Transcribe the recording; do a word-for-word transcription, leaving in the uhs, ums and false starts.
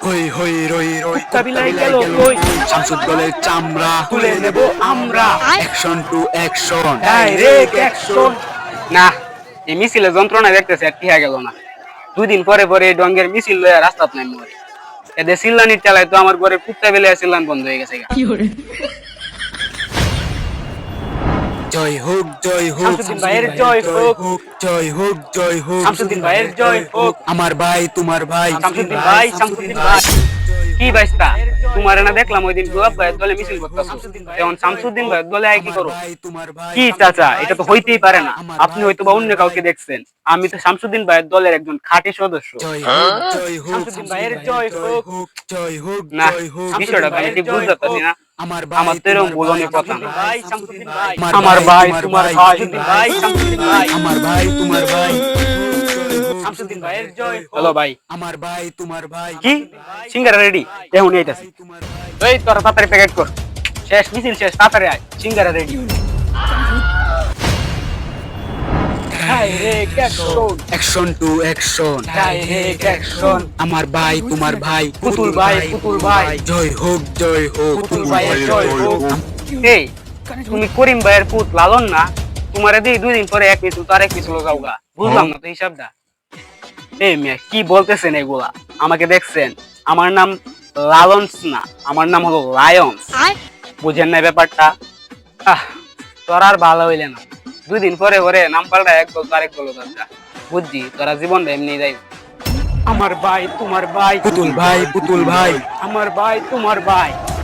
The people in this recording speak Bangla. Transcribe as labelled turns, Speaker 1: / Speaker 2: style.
Speaker 1: হই হই রই রই
Speaker 2: কাবিলায় গেল কই
Speaker 1: শামসুদ্দৌলের চামড়া
Speaker 2: তুলে নেব আমরা
Speaker 1: action to action
Speaker 2: direct action. না, এই মিছিলে যন্ত্রণা দেখতেছে আর টিহা গেল না। দুই দিন পরে পরে এই ডঙ্গের মিছিল লইয়া রাস্তাত নাই মরে এদের সিল্লানির চালায় তো আমার ঘরে কুত্তা বেলে সিল্লান বন্ধ হয়ে গেছে গা।
Speaker 1: জয় হোক জয় হোক
Speaker 2: শামসুদ্দিন ভাইয়ের জয় হোক,
Speaker 1: জয় হোক জয় হোক
Speaker 2: শামসুদ্দিন ভাইয়ের জয় হোক।
Speaker 1: আমার ভাই তোমার ভাই
Speaker 2: শামসুদ্দিন ভাই, শামসুদ্দিন ভাই। কি বাইস্তা তোমার না দেখলাম ওই দিন গোলাপ ভাইয়ের দলে মিছিল করতেছ, এখন শামসুদ্দিন ভাইয়ের দলে আয় কি করো? কি চাচা, এটা তো হইতেই পারে না। আপনি হয়তো বা অন্য কাউকে দেখছেন, আমি তো শামসুদ্দিন ভাইয়ের দলের একজন খাঁটি সদস্য। শামসুদ্দিন ভাইয়ের জয় হোক।
Speaker 1: জয় হোক
Speaker 2: না,
Speaker 1: জয় হোক
Speaker 2: বিষয়টা তো আমি ঠিক বুঝতে পারছি না।
Speaker 1: আমার
Speaker 2: আমার তো এরকম বোঝানোর কথা না।
Speaker 1: ভাই শামসুদ্দিন ভাই
Speaker 2: আমার ভাই তোমার ভাই, ভাই শামসুদ্দিন ভাই,
Speaker 1: আমার ভাই তোমার ভাই
Speaker 2: শামসুদ্দিন ভাইয়ের জয়। হ্যালো ভাই,
Speaker 1: আমার ভাই তোমার ভাই
Speaker 2: কি সিঙ্গারা রেডি? এখন এইতাছি। এই তোরা তাড়াতাড়ি প্যাকেট কর, শেষ মিছিল শেষ, তাড়াতাড়ি আয়, সিঙ্গারা ready. Direct action,
Speaker 1: action to action
Speaker 2: direct action.
Speaker 1: আমার ভাই তোমার ভাই
Speaker 2: পুতুল ভাই, পুতুল ভাই,
Speaker 1: জয় হোক জয় হোক
Speaker 2: পুতুল ভাইয়ের জয় হোক। এই তুমি করিম ভাইয়ের পুত লালন না? তোমারে দিই দুই দিন পরে এক মিছিল তো আরেক মিছিল যাওগা, বুঝলাম না তো হিসাবটা। এই মিয়া কি বলতেছেন এগুলা? আমাকে দেখছেন? আমার নাম লালন্স না, আমার নাম হলো লায়ন্স। বুঝেন না ব্যাপারটা? আহ তোরা আর ভালো হইলে না, দুই দিন পরে পরে নাম পাল্টা এক বল আরেক বল দাদা। বুঝছি তোরা জীবনটা এমনি যাই। আমার ভাই তোমার ভাই,
Speaker 1: পুতুল ভাই পুতুল ভাই
Speaker 2: আমার ভাই তোমার ভাই।